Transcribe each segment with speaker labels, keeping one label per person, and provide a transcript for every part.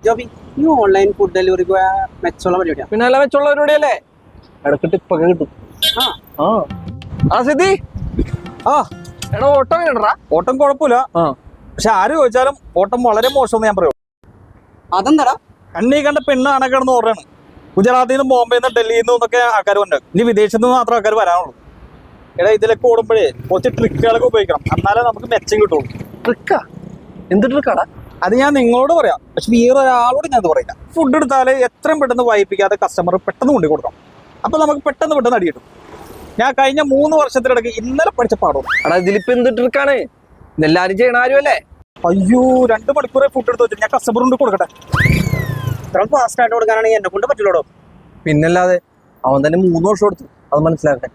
Speaker 1: ജോബി ഈ online food delivery മെച്ചമുള്ള പരിപാടിയാണ്.
Speaker 2: പിന്നെ നല്ല മെച്ചമുള്ള പരിപാടിയല്ലേ? ഇടക്ക് ടിപ്പൊക്കെ കിട്ടും. ആ സിദ്ധി, എടാ ഓട്ടം എങ്ങനെടാ?
Speaker 3: ഓട്ടം കുഴപ്പമില്ല, പക്ഷെ ആര് ചോദിച്ചാലും ഓട്ടം വളരെ മോശമെന്ന് ഞാൻ പറയും.
Speaker 1: അതെന്താടാ?
Speaker 3: കണ്ണീ കണ്ട പെണ്ണ് അണക്കിടന്ന് ഓർഡറാണ്. ഗുജറാത്തിൽ നിന്നും ബോംബെയിൽ നിന്ന് ഡൽഹിയിൽ നിന്നൊക്കെ ആൾക്കാർ വന്നത്. ഇനി വിദേശത്ത് നിന്ന് മാത്രം ആൾക്കാർ വരാനുള്ളൂ. എടാ ഇതിലൊക്കെ ഓടുമ്പോഴേ കുറച്ച് ട്രിക്കുകളൊക്കെ ഉപയോഗിക്കണം, എന്നാലേ നമുക്ക് മെച്ചം കിട്ടുള്ളൂ.
Speaker 2: ട്രിക്കാ? എന്ത് ട്രിക്കാടാ?
Speaker 3: അത് ഞാൻ നിങ്ങളോട് പറയാം, പക്ഷെ വേറെ ഒരാളോട് ഞാൻ അത് പറയില്ല. ഫുഡ് എടുത്താൽ എത്രയും പെട്ടെന്ന് വായിപ്പിക്കാതെ കസ്റ്റമർ പെട്ടെന്ന് കൊണ്ടു കൊടുക്കണം. അപ്പൊ നമുക്ക് പെട്ടെന്ന് അടി കിട്ടും. ഞാൻ കഴിഞ്ഞ 3 വർഷത്തിനിടയ്ക്ക് ഇന്നലെ പഠിച്ച പാടും.
Speaker 2: എടാ ഇതിലിപ്പോ എന്ത് ട്രിക്കാണ്? ഇതെല്ലാരും ചെയ്യണ ആരുമല്ലേ?
Speaker 3: അയ്യോ 2 മണിക്കൂറെ ഫുഡ് എടുത്ത് വെച്ചു. ഞാൻ കസ്റ്റമർ കൊണ്ട് കൊടുക്കട്ടെ.
Speaker 1: ഇത്ര ഫാസ്റ്റ് ആയിട്ട് കൊടുക്കാനാണെങ്കിൽ എന്നെ കൊണ്ട് പറ്റില്ലടോ.
Speaker 2: പിന്നല്ലാതെ അവൻ തന്നെ 3 വർഷം എടുത്തു, അത് മനസ്സിലാക്കട്ടെ.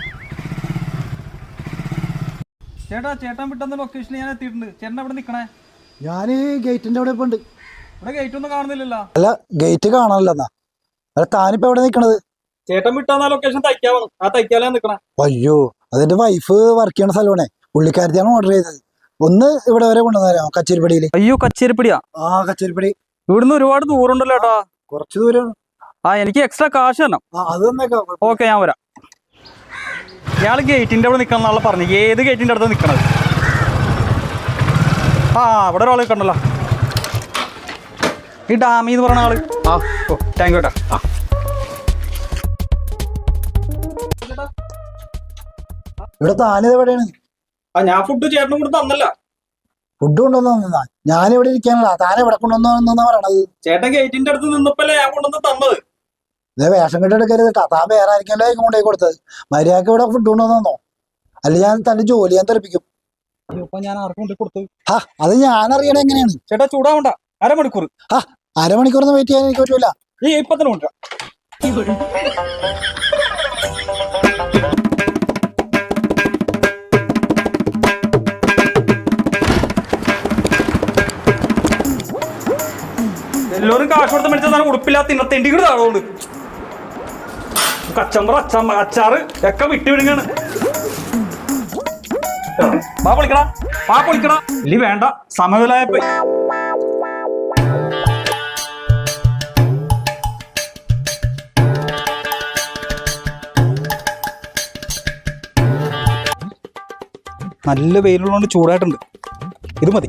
Speaker 3: ചേട്ടൻ വിട്ടുന്ന ലൊക്കേഷനിൽ ഞാൻ എത്തിയിട്ടുണ്ട്. ചേട്ടൻ അവിടെ നിൽക്കണേ.
Speaker 4: ഞാൻ ഗേറ്റിന്റെ അവിടെ ഇപ്പൊ ഉണ്ട്.
Speaker 3: ഇവിടെ ഗേറ്റ് ഒന്നും കാണുന്നില്ലല്ലോ.
Speaker 4: അല്ല ഗേറ്റ് കാണാനല്ലെന്നാ. അല്ല താനിപ്പോ എവിടെ നിക്കണത്?
Speaker 3: ചേട്ടൻ വിട്ടാ ലൊക്കേഷൻ തയ്ക്കാവാണ്. ആ തയ്ക്കാലാ നിക്കണേ.
Speaker 4: അയ്യോ അതെന്റെ വൈഫ് വർക്ക് ചെയ്യണ സ്ഥലമാണേ. പുള്ളിക്കാരത്തിയാണ് ഓർഡർ ചെയ്തത്. ഒന്ന് ഇവിടെ വരെ കൊണ്ടുവന്നേരാ കച്ചേരിപ്പടിയില്.
Speaker 3: അയ്യോ കച്ചേരിപ്പടിയാ?
Speaker 4: ആ കച്ചേരിപ്പടി.
Speaker 3: ഇവിടുന്ന് ഒരുപാട് ദൂരം ഉണ്ടല്ലോ ചേട്ടാ.
Speaker 4: കുറച്ച് ദൂരം.
Speaker 3: എനിക്ക് എക്സ്ട്രാ കാശ് തരണം.
Speaker 4: അത് തന്നേക്കാം.
Speaker 3: ഓക്കെ ഞാൻ വരാം. ഇയാൾ ഗേറ്റിന്റെ അവിടെ നിൽക്കണം എന്നാണല്ലോ പറഞ്ഞു. ഏത് ഗേറ്റിന്റെ അടുത്ത് നിൽക്കണത്? ഇവിടെ ഒരാൾ നിൽക്കണ്ടല്ലോ, ഈ ഡാമി എന്ന് പറഞ്ഞ ആള്. ഓ താങ്ക് യു ചേട്ടാ.
Speaker 4: ഇവിടെ താനിത് എവിടെയാണ്?
Speaker 3: ഞാൻ ഫുഡ് ചേട്ടനും കൂടെ തന്നല്ല.
Speaker 4: ഫുഡ് കൊണ്ടുവന്നാ ഞാൻ ഇവിടെ ഇരിക്കാനല്ല, താൻ എവിടെ കൊണ്ടുവന്നാ പറയണത്?
Speaker 3: ചേട്ടൻ ഗേറ്റിന്റെ അടുത്ത് നിന്നപ്പോഴല്ലേ ഞാൻ കൊണ്ടുവന്ന് തന്നത്.
Speaker 4: ഇതേ വേഷം കെട്ടെടുക്കരുത് കേട്ടാ. താൻ വേറെ ആയിരിക്കല്ലോ കൊണ്ടുപോയി കൊടുത്തത്. മര്യാദക്ക് ഇവിടെ ഫുഡ് കൊണ്ടുവന്നോ? അല്ല ഞാൻ തന്റെ ജോലി ഞാൻ തെറിപ്പിക്കും.
Speaker 3: ഞാൻ ആർക്കും കൊണ്ട് കൊടുത്തു.
Speaker 4: അത് ഞാൻ അറിയണ എങ്ങനെയാണ്?
Speaker 3: ചേട്ടാ ചൂടാവണ്ട. അരമണിക്കൂർ.
Speaker 4: അരമണിക്കൂറൊന്നും വെയിറ്റ് ചെയ്യാൻ എനിക്ക് പറ്റൂല.
Speaker 3: ഇപ്പൊ തന്നെ കൊണ്ടുവരാം. എല്ലാവരും കാശ് കൊടുത്ത് മേടിച്ചാൽ ഉടുപ്പില്ലാത്ത തിന്നത്തേണ്ടിക്കൂടെ ആളുകൊണ്ട് കച്ചമ്പറ അച്ചാറ് ഒക്കെ വിട്ടുവിടുങ്ങാണ്. പൊളിക്കടാ ഇല്ലി വേണ്ട, സമയലായപ്പോ. നല്ല വെയിലുള്ളതുകൊണ്ട് ചൂടായിട്ടുണ്ട്. ഇത് മതി.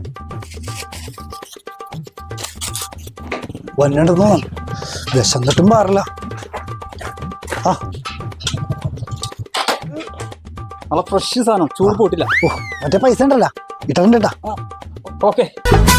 Speaker 4: വന്നിട്ട് വിഷം തട്ടും പാറില്ല.
Speaker 3: നല്ല ഫ്രഷ് സാധനം, ചൂട് പോയിട്ടില്ല.
Speaker 4: മറ്റേ പൈസ ഉണ്ടല്ലോ ഇട്ടുണ്ട് കേട്ടാ.
Speaker 3: ഓക്കെ.